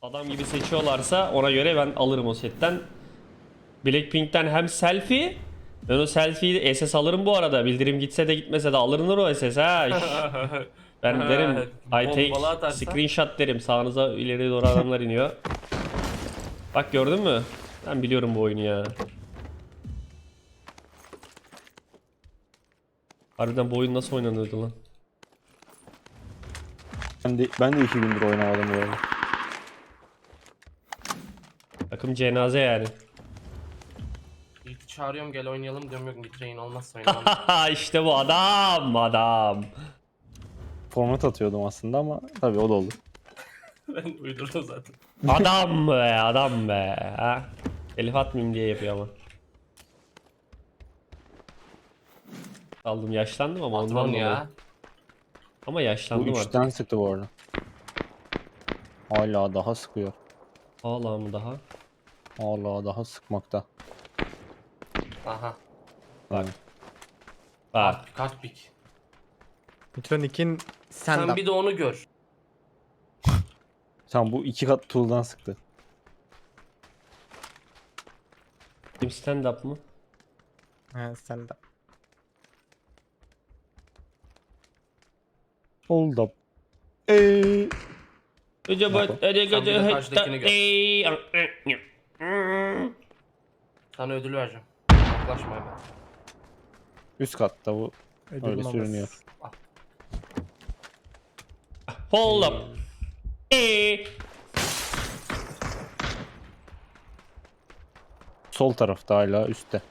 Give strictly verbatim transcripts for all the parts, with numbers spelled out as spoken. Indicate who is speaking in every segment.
Speaker 1: Adam gibi seçiyorlarsa ona göre ben alırım o setten. Blackpink'ten hem selfie, ben o selfie'yi S S alırım bu arada. Bildirim gitse de gitmese de alınır o S S ha. Şş. Ben derim I take
Speaker 2: Bombalı atarsa.
Speaker 1: screenshot derim. Sağınıza ileri doğru adamlar iniyor. Bak gördün mü? Ben biliyorum bu oyunu ya. Harbiden bu oyun nasıl oynanıyordu lan?
Speaker 3: Ben de, ben de iki gündür oynamadım bu arada.
Speaker 1: Takım cenaze yani.
Speaker 2: Yiğit'i çağırıyorum gel oynayalım diyorum yok Nitrain olmazsa oynamam.
Speaker 1: İşte bu adam adam.
Speaker 3: Format atıyordum aslında ama tabii o da oldu.
Speaker 2: Ben uydurdum zaten.
Speaker 1: Adam be adam be. Ha? Elif atmayayım diye yapıyor ama. Aldım yaşlandım ama ondan
Speaker 2: Patron
Speaker 1: dolayı.
Speaker 2: ya.
Speaker 1: Ama
Speaker 3: Bu
Speaker 1: yaşlandım artık.
Speaker 3: üçten sıktı bu arada. Hala daha sıkıyor.
Speaker 1: Hala mı daha?
Speaker 3: Hala daha sıkmakta.
Speaker 2: Aha.
Speaker 3: Bak.
Speaker 1: Bak.
Speaker 2: Kart, kart pik.
Speaker 4: Nitronik'in
Speaker 2: Sen
Speaker 4: stand-up.
Speaker 2: bir de onu gör.
Speaker 3: Sen bu iki kat tool'dan sıktı.
Speaker 1: Kim stand up mı?
Speaker 4: He, stand-up.
Speaker 3: Hold up. Eee.
Speaker 1: Gece bu
Speaker 3: Yapalım.
Speaker 1: gece
Speaker 2: Sen bir de
Speaker 1: gece
Speaker 2: karşıdakini gör.
Speaker 1: Ey.
Speaker 2: Sana ödül vereceğim. Yaklaşma hemen.
Speaker 3: Üst katta bu.
Speaker 4: Ödül
Speaker 3: Öyle
Speaker 4: maması.
Speaker 3: sürünüyor.
Speaker 1: Hold up. Ey.
Speaker 3: Sol tarafta hala üstte.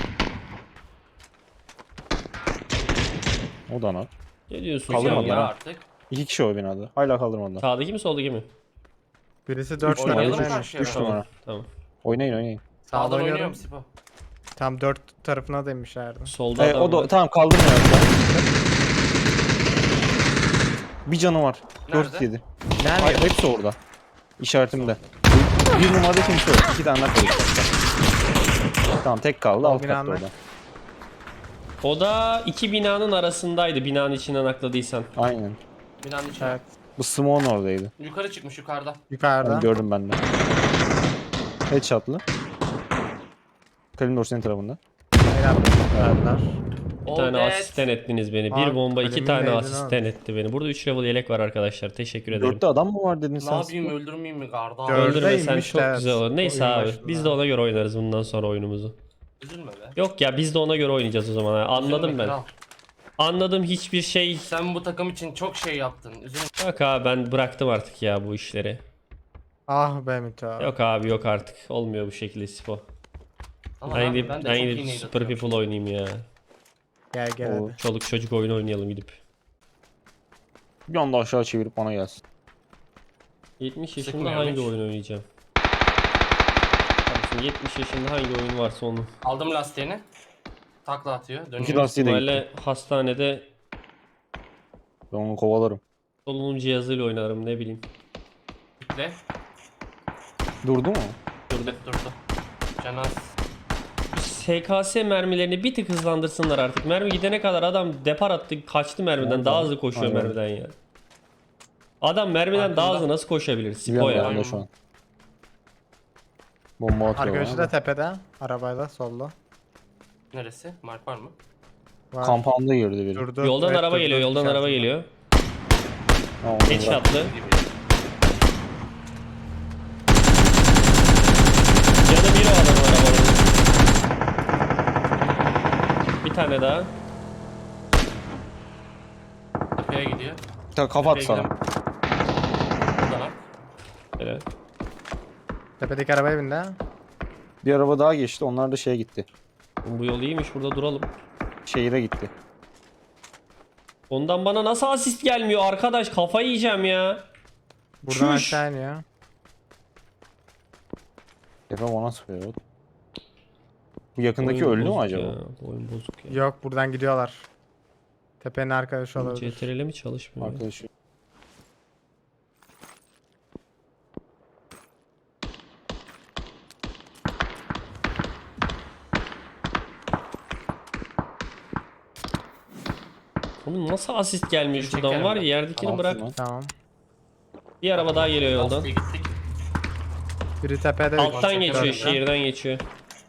Speaker 3: O da nak.
Speaker 1: Ne diyorsun
Speaker 3: Kaldırmadılar
Speaker 1: sen
Speaker 2: ya
Speaker 1: ya?
Speaker 3: ha.
Speaker 2: artık.
Speaker 3: İki kişi o binada. Hala kaldırmadılar.
Speaker 1: Sağdaki mi soldaki mi?
Speaker 4: Birisi dört
Speaker 3: Üç numara,
Speaker 2: Oynayalım
Speaker 4: tarafına.
Speaker 2: karşıya.
Speaker 3: Üç numara.
Speaker 1: Tamam.
Speaker 3: Oynayın oynayın.
Speaker 4: Sağda
Speaker 2: Sağdan
Speaker 4: oynuyorum.
Speaker 2: oynuyorum Sipo.
Speaker 4: Tam dört tarafına demişlerdi.
Speaker 1: Solda
Speaker 3: Ee,
Speaker 1: adam
Speaker 3: o da
Speaker 1: var.
Speaker 3: tamam kaldırmıyor. Bir canı var.
Speaker 2: Nerede?
Speaker 3: dört yedi.
Speaker 4: Nerede?
Speaker 3: Hayır hepsi orada. İşaretimde. Bir numarada kimse yok. İki tane daha kalıyor. Tamam tek kaldı. Alt katta
Speaker 4: binanın.
Speaker 3: orada.
Speaker 1: O da iki binanın arasındaydı. Binanın içinden akladıysan.
Speaker 3: Aynen.
Speaker 2: Binanın içine.
Speaker 4: Evet.
Speaker 3: Bu Simon oradaydı.
Speaker 2: Yukarı çıkmış yukarıda.
Speaker 4: Yukarıda.
Speaker 3: Ben gördüm ben de. Headshot'lı. Kalimdor senin tarafında.
Speaker 4: Helal. Verdiler.
Speaker 1: Bir tane
Speaker 2: Oldet.
Speaker 1: asisten ettiniz beni.
Speaker 4: Aa,
Speaker 1: Bir bomba iki
Speaker 4: kalemin
Speaker 1: tane
Speaker 4: neydin
Speaker 1: asisten
Speaker 4: abi?
Speaker 1: etti beni. Burada üç level yelek var arkadaşlar. Teşekkür ederim.
Speaker 3: Dörtte adam mı var dedin
Speaker 2: Ne
Speaker 3: sen?
Speaker 2: yapayım öldürmeyeyim mi garda?
Speaker 4: Dört.
Speaker 1: Öldürmesen
Speaker 4: Dördeymiş,
Speaker 1: çok
Speaker 4: evet.
Speaker 1: güzel olur. Neyse
Speaker 4: Oyun
Speaker 1: abi.
Speaker 4: başında.
Speaker 1: Biz de ona göre oynarız bundan sonra oyunumuzu.
Speaker 2: Üzülme be.
Speaker 1: Yok ya biz de ona göre oynayacağız o zaman. ha. Anladım
Speaker 2: Üzülme
Speaker 1: ben.
Speaker 2: kral.
Speaker 1: Anladım hiçbir şey.
Speaker 2: Sen bu takım için çok şey yaptın. Üzülme.
Speaker 1: Yok abi ben bıraktım artık ya bu işleri.
Speaker 4: Ah be Mito.
Speaker 1: Yok abi yok artık. Olmuyor bu şekilde Sipo.
Speaker 2: Ama
Speaker 1: Ben
Speaker 2: abi,
Speaker 1: gidip,
Speaker 2: ben de
Speaker 1: ben
Speaker 2: çok iyi
Speaker 1: gidip
Speaker 2: nade
Speaker 1: Super
Speaker 2: atıyorum.
Speaker 1: People oynayayım ya.
Speaker 4: Gel gel
Speaker 3: Oo.
Speaker 4: hadi.
Speaker 1: Çoluk çocuk oyunu oynayalım gidip.
Speaker 3: Bir anda aşağı çevirip bana gelsin.
Speaker 1: yetmiş yaşında
Speaker 2: Sıkmıyormuş.
Speaker 1: hangi oyun oynayacağım? Kardeşim yetmiş yaşında hangi oyun varsa onu.
Speaker 2: Aldım lastiğini. Takla atıyor.
Speaker 3: İki
Speaker 2: Dönüyor.
Speaker 3: lastiği de gitti.
Speaker 1: Böyle hastanede
Speaker 3: Ben onu kovalarım.
Speaker 1: solunum cihazıyla oynarım ne bileyim.
Speaker 2: Bekle.
Speaker 3: Durdu mu?
Speaker 2: Durdu. Durdu. Canaz.
Speaker 1: S K S mermilerini bir tık hızlandırsınlar artık. Mermi gidene kadar adam depar attı kaçtı mermiden.
Speaker 3: Aynen.
Speaker 1: Daha hızlı koşuyor
Speaker 3: Aynen.
Speaker 1: mermiden ya. Adam mermiden daha
Speaker 2: Arkamda.
Speaker 1: hızlı nasıl koşabilir? Sipo
Speaker 3: Biliyorum
Speaker 1: ya.
Speaker 3: ben de şu an. Bomba atıyor
Speaker 4: Arkadaşı
Speaker 3: bana
Speaker 4: da
Speaker 3: da.
Speaker 4: tepede. Arabayla solda.
Speaker 2: Neresi? Mark var mı?
Speaker 4: Var.
Speaker 3: Kampanda girdi biri.
Speaker 4: Durdu.
Speaker 1: Yoldan
Speaker 4: Evet,
Speaker 1: araba
Speaker 4: durdu.
Speaker 1: geliyor, yoldan araba
Speaker 4: İşaretinde.
Speaker 1: geliyor.
Speaker 3: Ha, onu bırak.
Speaker 1: Headshot'lı.
Speaker 2: Gibi.
Speaker 1: Canı bir o adamın arabanın. Bir tane daha.
Speaker 2: Tepeye gidiyor.
Speaker 3: Ta kafa at
Speaker 2: Tepeye
Speaker 3: sana.
Speaker 2: gidelim. Buradan at.
Speaker 1: Evet.
Speaker 4: Tepedeki arabaya bindi.
Speaker 3: Bir araba daha geçti. Onlar da şeye gitti.
Speaker 1: Bu yol iyiymiş burada duralım.
Speaker 3: Şehire gitti.
Speaker 1: Ondan bana nasıl asist gelmiyor arkadaş kafayı yiyeceğim ya.
Speaker 4: Buradan
Speaker 1: Çüş.
Speaker 4: aşağı iniyor.
Speaker 3: Efe bana sıkıyor. Bu yakındaki
Speaker 1: Oyun
Speaker 3: öldü mü
Speaker 1: bozuk
Speaker 3: acaba?
Speaker 1: ya, bu oyun bozuk ya.
Speaker 4: Yok buradan gidiyorlar. Tepenin arkadaşı olabilir.
Speaker 1: C T R L mi çalışmıyor?
Speaker 3: Arkadaşı.
Speaker 1: Oğlum nasıl asist gelmiyor
Speaker 2: Geri
Speaker 1: şuradan
Speaker 2: çekerim
Speaker 1: var ya
Speaker 2: ben.
Speaker 1: yerdekini
Speaker 3: Tamam,
Speaker 1: bırak.
Speaker 3: tamam.
Speaker 4: Tamam.
Speaker 1: Bir araba daha geliyor yoldan.
Speaker 2: Lastiğe gittik.
Speaker 4: Biri tepede. biri
Speaker 1: Alttan
Speaker 4: çekemedim
Speaker 1: geçiyor,
Speaker 4: ya.
Speaker 1: şehirden geçiyor.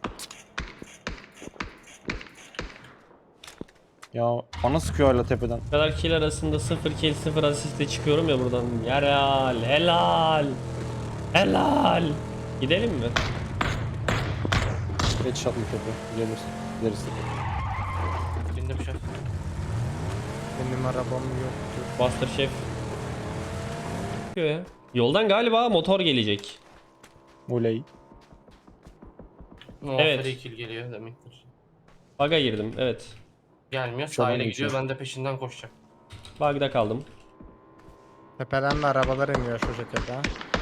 Speaker 3: Ya bana sıkıyor hala tepeden.
Speaker 1: Bu kadar kill arasında sıfır kill sıfır asistle çıkıyorum ya buradan. Helal, helal. Helal. Gidelim mi?
Speaker 3: Headshot'lı tepe. Gelirsin. Gideriz tepe.
Speaker 2: Bindim şef.
Speaker 4: Benim arabam yoktu.
Speaker 1: Buster Chef. Ya. Yoldan galiba motor gelecek.
Speaker 3: Oley.
Speaker 2: No,
Speaker 1: Evet.
Speaker 2: free kill geliyor demektir.
Speaker 1: Bug'a girdim, evet.
Speaker 2: Gelmiyor.
Speaker 3: Şuradan
Speaker 2: Sahile
Speaker 3: geçiyor.
Speaker 2: gidiyor. Ben de peşinden koşacağım.
Speaker 1: Bug'da kaldım.
Speaker 4: Tepeden de arabalar iniyor şu şekilde.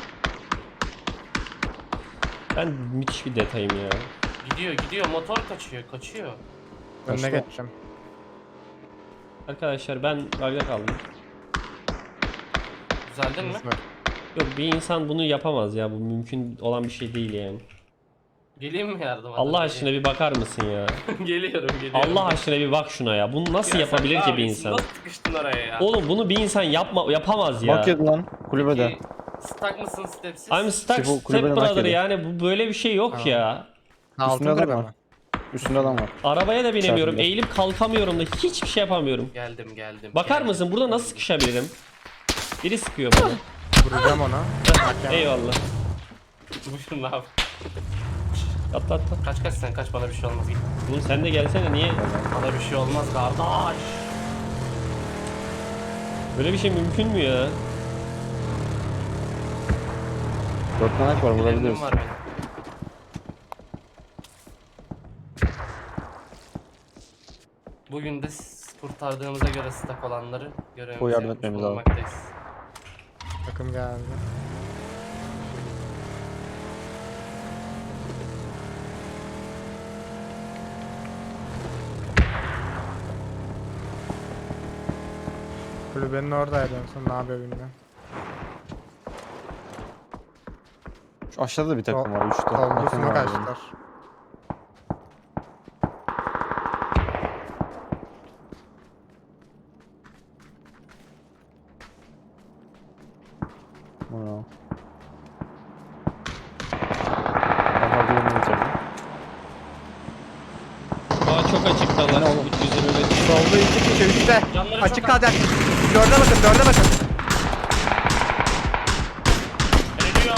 Speaker 1: Ben müthiş bir detayım ya.
Speaker 2: Gidiyor gidiyor. Motor kaçıyor. Kaçıyor.
Speaker 4: Önüne
Speaker 3: Kaçtı.
Speaker 4: geçeceğim.
Speaker 1: Arkadaşlar ben bug'da kaldım.
Speaker 2: Düzeldin mi?
Speaker 4: Hızlı.
Speaker 1: Yok, bir insan bunu yapamaz ya. Bu mümkün olan bir şey değil yani.
Speaker 2: Geleyim mi yardıma?
Speaker 1: Allah aşkına bir bakar mısın ya?
Speaker 2: Geliyorum geliyorum.
Speaker 1: Allah aşkına bir bak şuna ya. Bunu nasıl
Speaker 2: Ya
Speaker 1: yapabilir
Speaker 2: sen
Speaker 1: ki
Speaker 2: ne
Speaker 1: bir
Speaker 2: yapıyorsun?
Speaker 1: insan?
Speaker 2: Nasıl sıkıştın oraya ya?
Speaker 1: Oğlum bunu bir insan yapma yapamaz ya.
Speaker 3: Bak yedi lan kulübede.
Speaker 2: Peki, Stuck mısın stepsiz?
Speaker 1: I'm stuck
Speaker 3: Steve o
Speaker 1: step
Speaker 3: kulübeden hak
Speaker 1: brother
Speaker 3: ediyor.
Speaker 1: yani bu böyle bir şey yok
Speaker 4: Tamam.
Speaker 1: ya.
Speaker 4: Altın
Speaker 3: Üstünde adam
Speaker 4: kulübe
Speaker 3: var.
Speaker 4: mi?
Speaker 3: Üstünde adam var.
Speaker 1: Arabaya da binemiyorum.
Speaker 3: Çarpıldı.
Speaker 1: Eğilip kalkamıyorum da hiçbir şey yapamıyorum.
Speaker 2: Geldim geldim.
Speaker 1: Bakar
Speaker 2: geldim.
Speaker 1: mısın burada nasıl sıkışabilirim? Biri sıkıyor bana.
Speaker 4: Vuracağım ona.
Speaker 1: Eyvallah.
Speaker 2: Buyurun abi.
Speaker 1: Atla atla.
Speaker 2: Kaç kaç sen kaç bana bir şey olmaz. Git.
Speaker 1: Oğlum sen de gelsene, niye?
Speaker 2: Bana bir şey olmaz kardeş.
Speaker 1: Böyle bir şey mümkün mü ya?
Speaker 3: Dört tane var vurabiliriz.
Speaker 2: Bilenim var benim. Bugün de s- kurtardığımıza göre stack olanları görevimizi
Speaker 3: O yardım
Speaker 2: yapmış
Speaker 3: etmemiz lazım.
Speaker 2: bulunmaktayız.
Speaker 4: Takım geldi. Kulübenin oradaydı en son, ne yapıyor bilmiyorum.
Speaker 3: Şu aşağıda da bir takım var. Üçte.
Speaker 4: Solda
Speaker 3: Takım
Speaker 4: smoke
Speaker 3: var yani.
Speaker 4: açtılar.
Speaker 3: Bravo. Daha bir yerini bitirdim.
Speaker 1: Aa çok açıktalar.
Speaker 3: Ne oğlum?
Speaker 1: üç yüz yirmi beş.
Speaker 4: Solda iki kişi, üçte.
Speaker 2: Canları
Speaker 4: Açık
Speaker 2: çok
Speaker 4: kalacak. Dörde bakın, dörde bakın.
Speaker 2: Geliyor.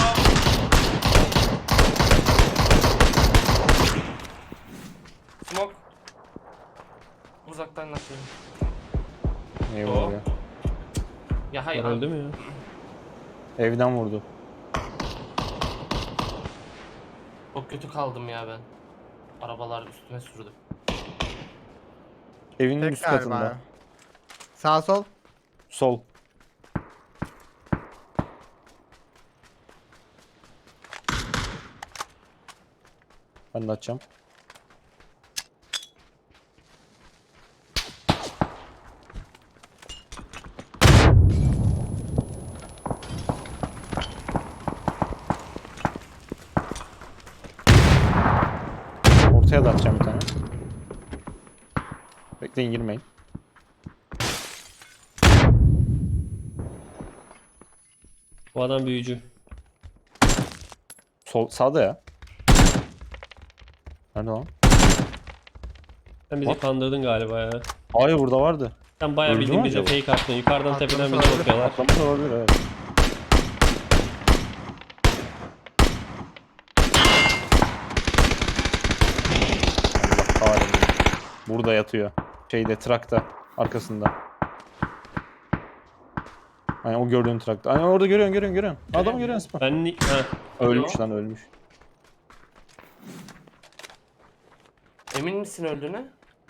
Speaker 2: Smoke. Uzaktan nakliyorum.
Speaker 3: Eyvallah ya.
Speaker 2: Ya hayır.
Speaker 1: Öldü mü ya?
Speaker 3: Evden vurdu.
Speaker 2: Çok kötü kaldım ya ben. Arabalar üstüme sürdü.
Speaker 3: Evinin
Speaker 4: Tek
Speaker 3: üst
Speaker 4: galiba.
Speaker 3: katında.
Speaker 4: Sağ sol.
Speaker 3: Sol. Ben de açacağım. Ortaya da atacağım bir tane. Bekleyin, girmeyin.
Speaker 1: Bu adam büyücü.
Speaker 3: Sol sağda ya. Nerede lan?
Speaker 1: Sen bizi
Speaker 3: What?
Speaker 1: kandırdın galiba ya.
Speaker 3: Hayır, burada vardı.
Speaker 1: Sen bayağı
Speaker 3: Öldü
Speaker 1: bildiğin
Speaker 3: mü
Speaker 1: bize
Speaker 3: acaba?
Speaker 1: fake attın. Yukarıdan
Speaker 4: Atlamış
Speaker 1: tepeden bize
Speaker 4: olabilir.
Speaker 1: bakıyorlar.
Speaker 3: Atlamış olabilir, evet. Allah kahretsin. Burada yatıyor. Şeyde, trakta arkasında. Hani o gördüğün trakta. Hani orada görüyorsun, görüyorsun, görüyorsun. Adamı görüyorsun Spa.
Speaker 1: Ben ni- ha.
Speaker 3: Ölmüş lan, ölmüş.
Speaker 2: Emin misin öldüğüne?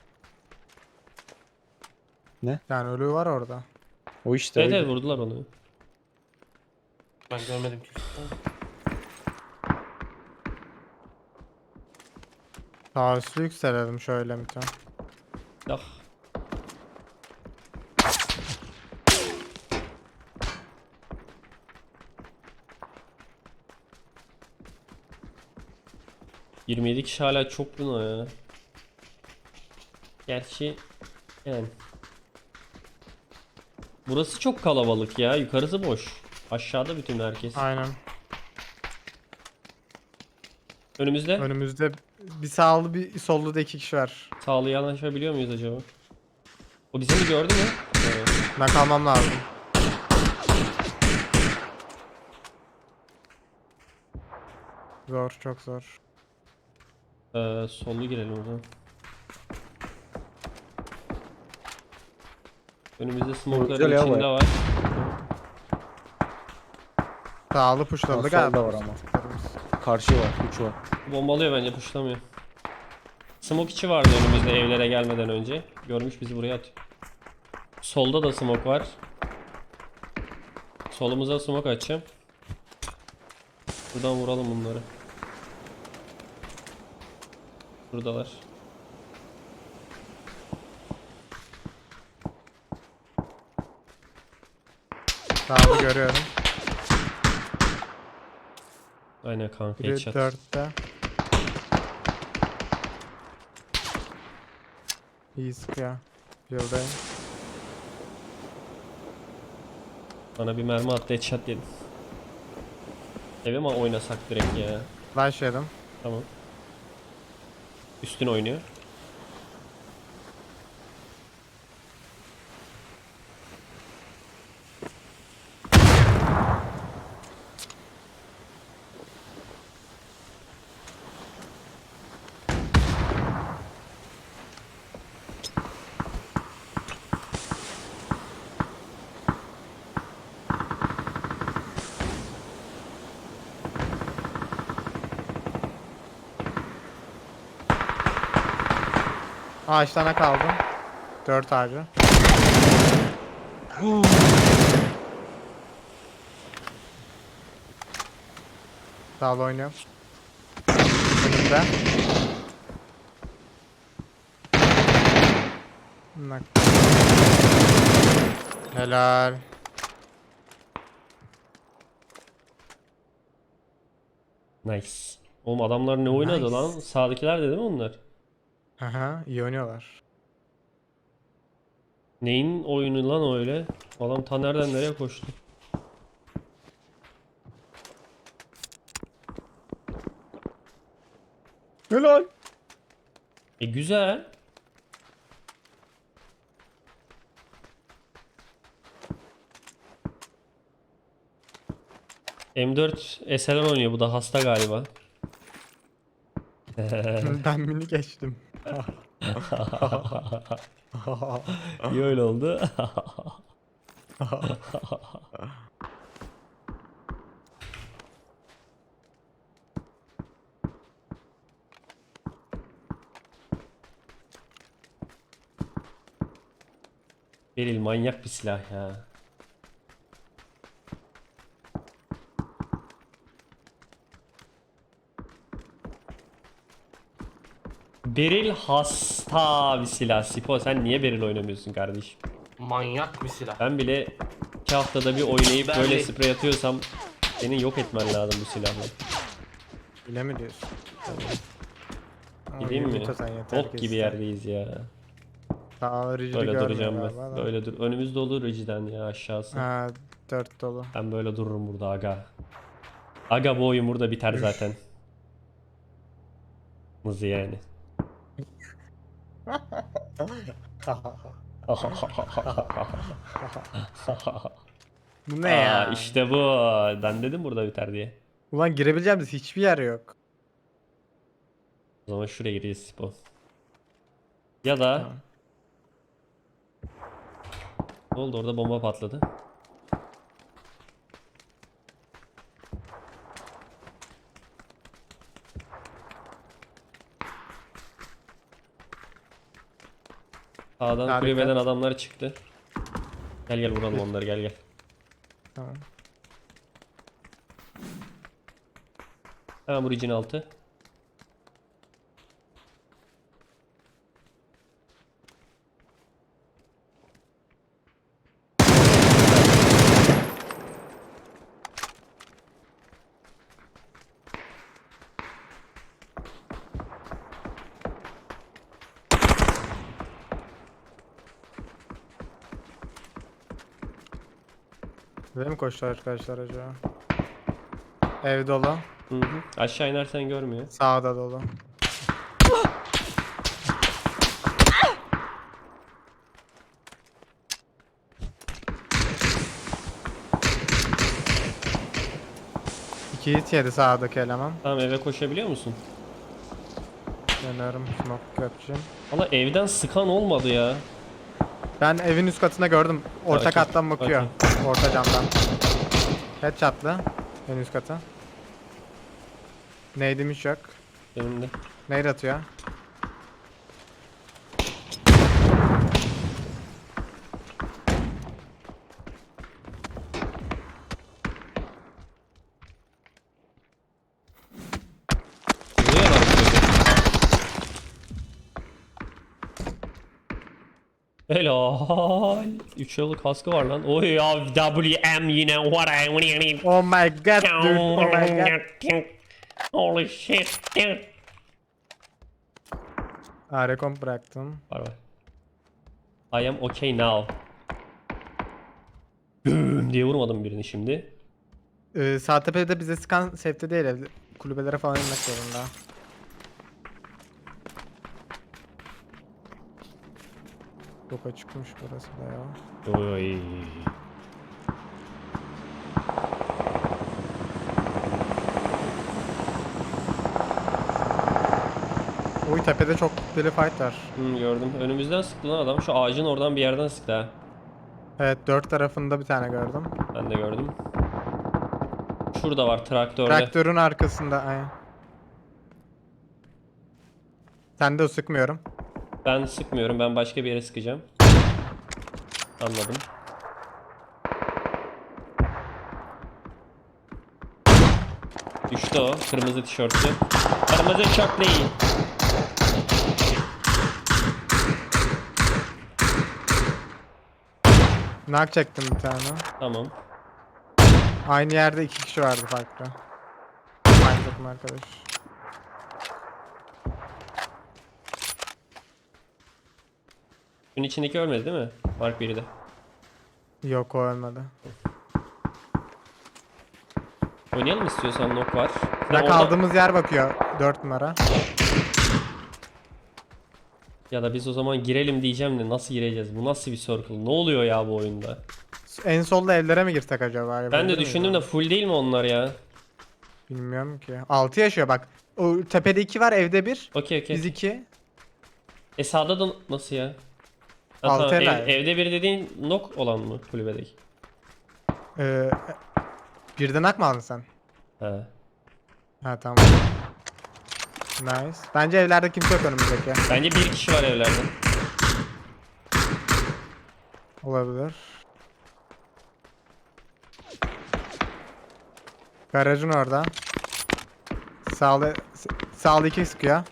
Speaker 4: Yani ölü var orada.
Speaker 3: O işte.
Speaker 1: Evet
Speaker 3: oydu.
Speaker 1: evet vurdular onu.
Speaker 2: Ben görmedim ki.
Speaker 4: Sağ üstü yükselelim şöyle bir tane.
Speaker 1: Ah. yirmi yedi kişi hala çok buna ya. Gerçi yani. Burası çok kalabalık ya. Yukarısı boş. Aşağıda bütün herkes.
Speaker 4: Aynen.
Speaker 1: Önümüzde.
Speaker 4: Önümüzde bir sağlı bir sollu da iki kişi var.
Speaker 1: Sağlı yanaşabiliyor muyuz acaba? O bizi mi gördü mü? Evet.
Speaker 4: Ben kalmam lazım. Zor, çok zor.
Speaker 1: Ee, sollu girelim o zaman. Önümüzde smoke'ların
Speaker 3: Güzel ya bu
Speaker 1: içinde
Speaker 3: ya.
Speaker 1: var.
Speaker 4: Sağlı puşladı
Speaker 3: Solda
Speaker 4: galiba.
Speaker 3: var ama. Karşı var. üç var.
Speaker 1: Bombalıyor bence, puşlamıyor. Smoke içi vardı önümüzde evlere gelmeden önce. Görmüş bizi buraya atıyor. Solda da smoke var. Solumuza smoke açacağım. Buradan vuralım bunları. Buradalar.
Speaker 4: Sağlı görüyorum.
Speaker 1: Aynen kanka,
Speaker 4: Biri
Speaker 1: headshot.
Speaker 4: dörtte. İyi sıkıyor. Yıldayım.
Speaker 1: Bana bir mermi attı, headshot yedim. Eve mi oynasak direkt ya?
Speaker 4: Flash yedim.
Speaker 1: Tamam. Üstün oynuyor.
Speaker 4: Ağaçlarına kaldım. Dört ağacı. Sağlı oynuyorum. Önümde. Nak. Helal.
Speaker 1: Nice. Oğlum adamlar ne oynadı
Speaker 4: Nice.
Speaker 1: lan? Sağdakiler de değil mi onlar?
Speaker 4: Aha, iyi oynuyorlar.
Speaker 1: Neyin oyunu lan öyle? Adam ta nereden nereye koştu?
Speaker 3: Helal.
Speaker 1: E güzel. M dört S L R oynuyor, bu da hasta galiba.
Speaker 4: Ben mini geçtim.
Speaker 1: İyi öyle oldu. Beril manyak bir silah ya. Beril hasta bir silah. Sipo, sen niye Beril oynamıyorsun kardeşim?
Speaker 2: Manyak bir silah.
Speaker 1: Ben bile iki haftada bir oynayıp
Speaker 2: Ben
Speaker 1: böyle
Speaker 2: de-
Speaker 1: sprey atıyorsam senin yok etmen lazım bu silahla.
Speaker 4: Öyle mi diyorsun? Ama
Speaker 1: Gideyim mi?
Speaker 4: Yumito sen yeter
Speaker 1: Bok
Speaker 4: ki
Speaker 1: gibi
Speaker 4: iste.
Speaker 1: yerdeyiz ya.
Speaker 4: Sağ rigidi
Speaker 1: Böyle
Speaker 4: görmüyor
Speaker 1: duracağım
Speaker 4: galiba
Speaker 1: ben.
Speaker 4: da.
Speaker 1: Böyle dur. Önümüz dolu Regi'den ya, aşağısı.
Speaker 4: Ha, dört dolu.
Speaker 1: Ben böyle dururum burada aga. Aga bu oyun burada biter zaten. Mızı yani.
Speaker 4: Bu ne
Speaker 1: Aa,
Speaker 4: ya?
Speaker 1: işte bu. Ben dedim burada biter diye.
Speaker 4: Ulan girebileceğimiz hiçbir yer yok.
Speaker 1: O zaman şuraya gireceğiz Sipo. Ya da
Speaker 4: Tamam.
Speaker 1: ne oldu, orada bomba patladı. Sağdan
Speaker 4: Harika.
Speaker 1: kulübeden adamlar çıktı. Gel gel vuralım onları, gel gel.
Speaker 4: Tamam.
Speaker 1: Hemen bu rigin altı.
Speaker 4: Buraya mi koştular arkadaşlar acaba? Ev dolu.
Speaker 1: Hı hı. Aşağı inersen görmüyor.
Speaker 4: Sağda dolu. İki hit yedi sağdaki eleman.
Speaker 1: Tamam, eve koşabiliyor musun?
Speaker 4: Dönüyorum smoke yapacağım.
Speaker 1: Valla evden sıkan olmadı ya.
Speaker 4: Ben evin üst katına gördüm. Orta
Speaker 1: Okey,
Speaker 4: kattan bakıyor. Orta camdan. Headshot'lı. En üst kata. Neydim hiç yok.
Speaker 1: Benim de.
Speaker 4: Nade atıyor.
Speaker 1: Niye lan böyle? Helal. üç yıllık kaskı var lan. Oy ya, W M yine. What I
Speaker 4: Oh my god dude. Oh my god.
Speaker 1: Holy shit dude.
Speaker 4: Aa recomp bıraktım.
Speaker 1: Var var. I am okay now. Güm diye vurmadım birini şimdi.
Speaker 4: Ee, sağ tepede bize sıkan safety değil evde. Kulübelere falan inmek zorunda. Çok açıkmış burası da ya.
Speaker 1: Oy.
Speaker 4: Oy tepede çok deli fight var.
Speaker 1: Hmm, gördüm. Önümüzden sıktı lan adam. Şu ağacın oradan bir yerden sıktı ha.
Speaker 4: Evet dört tarafında bir tane gördüm.
Speaker 1: Ben de gördüm. Şurada var traktörde.
Speaker 4: Traktörün arkasında aynen. Sen de sıkmıyorum.
Speaker 1: Ben sıkmıyorum. Ben başka bir yere sıkacağım. Anladım. Düştü o. Kırmızı tişörtlü. Kırmızı tişörtlü.
Speaker 4: Knock çektim bir tane.
Speaker 1: Tamam.
Speaker 4: Aynı yerde iki kişi vardı farklı. Aynı takım arkadaş.
Speaker 1: Bunun içindeki ölmedi değil mi? Mark biri de.
Speaker 4: Yok o ölmedi.
Speaker 1: Oynayalım istiyorsan, nok var. Sen
Speaker 4: Ya
Speaker 1: orada-
Speaker 4: kaldığımız yer bakıyor. dört numara.
Speaker 1: Ya da biz o zaman girelim diyeceğim de nasıl gireceğiz? Bu nasıl bir circle? Ne oluyor ya bu oyunda?
Speaker 4: En solda evlere mi girsek acaba?
Speaker 1: Ben
Speaker 4: Yapabilir
Speaker 1: de
Speaker 4: miyiz
Speaker 1: düşündüm
Speaker 4: onu?
Speaker 1: de full değil mi onlar ya?
Speaker 4: Bilmiyorum ki. altı yaşıyor bak. O tepede iki var, evde bir.
Speaker 1: Okey okey.
Speaker 4: Biz iki.
Speaker 1: E sağda da nasıl ya? Ha,
Speaker 4: Altı
Speaker 1: tamam.
Speaker 4: helal.
Speaker 1: Ev- evde biri dediğin nok olan mı kulübedeki?
Speaker 4: Ee, birden ak mı aldın sen?
Speaker 1: Ha.
Speaker 4: Ha tamam. Nice. Bence evlerde kimse yok önümüzdeki.
Speaker 1: Bence bir kişi var evlerde.
Speaker 4: Olabilir. Garajın orada. Sağlı sağlı iki sıkıyor.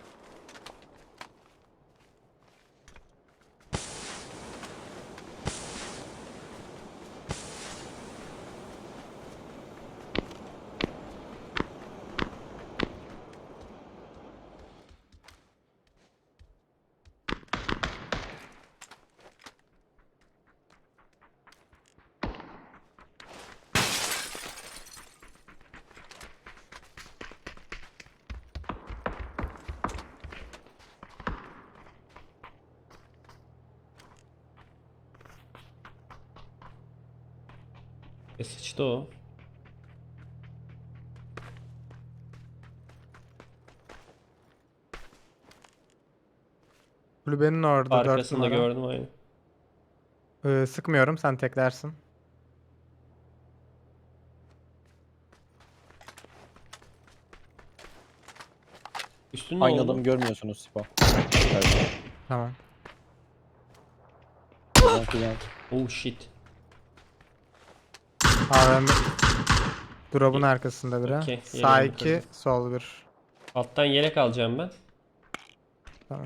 Speaker 1: E sıçtı o.
Speaker 4: Kulübenin orada dört
Speaker 1: Arkasında
Speaker 4: numara.
Speaker 1: gördüm aynı.
Speaker 4: Ee, sıkmıyorum, sen teklersin.
Speaker 1: Üstün ne
Speaker 3: Aynı
Speaker 1: oldu?
Speaker 3: adamı görmüyorsunuz Sipa.
Speaker 4: Tamam.
Speaker 1: Oh shit.
Speaker 4: A V M drop'un arkasında biri.
Speaker 1: Okey,
Speaker 4: Sağ
Speaker 1: yerini
Speaker 4: iki,
Speaker 1: bitirdim.
Speaker 4: sol bir.
Speaker 1: Alttan yelek alacağım ben.
Speaker 4: Tamam.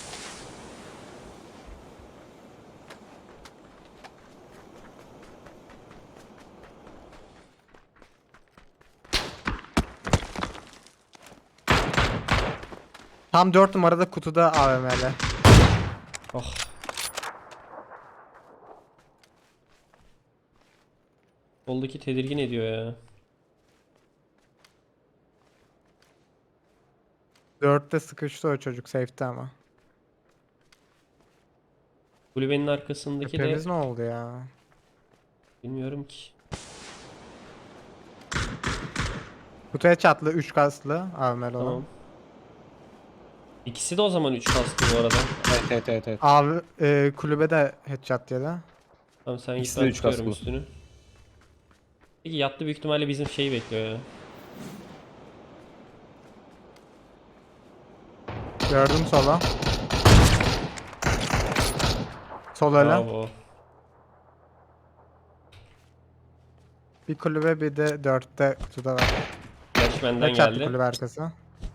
Speaker 4: Tam dört numarada kutuda A V M'li.
Speaker 1: Oh. Soldaki tedirgin ediyor ya.
Speaker 4: Dörtte sıkıştı o çocuk safe'te ama.
Speaker 1: Kulübenin arkasındaki
Speaker 4: Tepemiz
Speaker 1: de
Speaker 4: ne oldu ya?
Speaker 1: bilmiyorum ki.
Speaker 4: Kutuya çatlı üç kaslı Avmel olan.
Speaker 1: Tamam. İkisi de o zaman üç kastı bu arada.
Speaker 3: Evet evet evet. evet.
Speaker 4: Abi e, kulübe de headshot yedi.
Speaker 1: Tamam sen git,
Speaker 3: İkisi de
Speaker 1: ben
Speaker 3: üç
Speaker 1: tutuyorum
Speaker 3: kasklı.
Speaker 1: üstünü. Peki yattı, büyük ihtimalle bizim şeyi bekliyor ya.
Speaker 4: Gördüm sola. Sol öyle.
Speaker 1: Bravo.
Speaker 4: Bir kulübe bir de dörtte kutuda var.
Speaker 1: Flash benden
Speaker 4: Ne çattı
Speaker 1: geldi.
Speaker 4: kulübe arkası?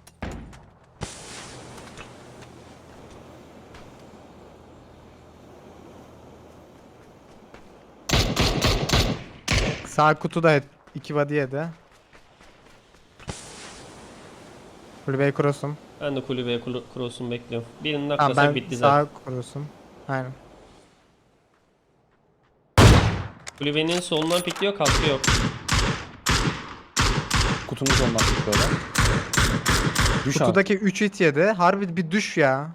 Speaker 4: Sağ kutuda hep iki body yedi. Kulübeyi kurusum.
Speaker 1: Ben de kulübeye kuru- cross'umu bekliyorum. Birinin
Speaker 4: Tamam
Speaker 1: aklasa
Speaker 4: ben
Speaker 1: bitti
Speaker 4: sağ
Speaker 1: zaten.
Speaker 4: kurusum. Aynen.
Speaker 1: Kulübenin solundan pikliyor, kaskı yok.
Speaker 3: Kutunun sonuna tutuyorlar. Düş abi.
Speaker 4: Kutudaki üç hit yedi. Harbi bir düş ya.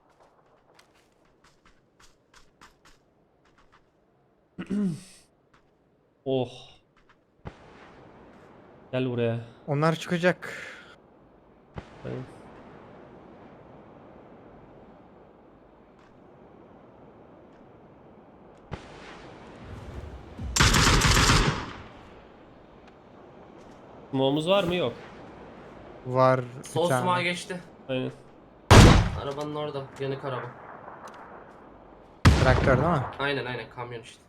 Speaker 1: Oh. Gel buraya.
Speaker 4: Onlar çıkacak.
Speaker 1: Aynen. Smoke'umuz var mı? Yok.
Speaker 4: Var bir
Speaker 2: Sol
Speaker 4: tane.
Speaker 2: sumağa geçti.
Speaker 1: Aynen.
Speaker 2: Arabanın orada. Yanık araba.
Speaker 4: Traktör değil mi?
Speaker 2: Aynen aynen kamyon işte.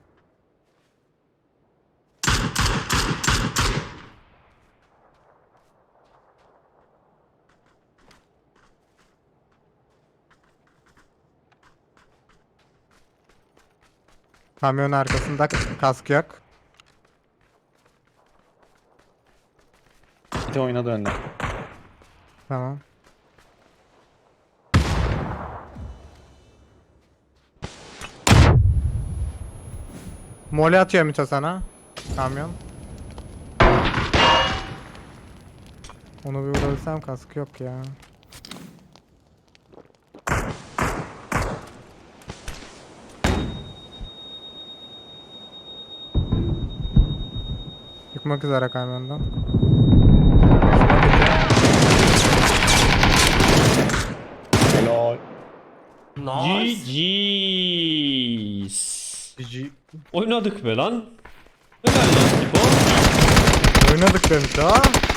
Speaker 4: Kamyonun arkasında kask yok.
Speaker 3: Bir de oynadı önden.
Speaker 4: Tamam. Mole atıyor Mito sana. Kamyon. Onu bir vurabilsem kask yok ya. Çıkmak üzere kamyondan.
Speaker 3: Helal.
Speaker 2: Nice.
Speaker 1: G G's.
Speaker 4: G
Speaker 1: Oynadık be lan. Helal lan Tipo.
Speaker 4: Oynadık be Mito.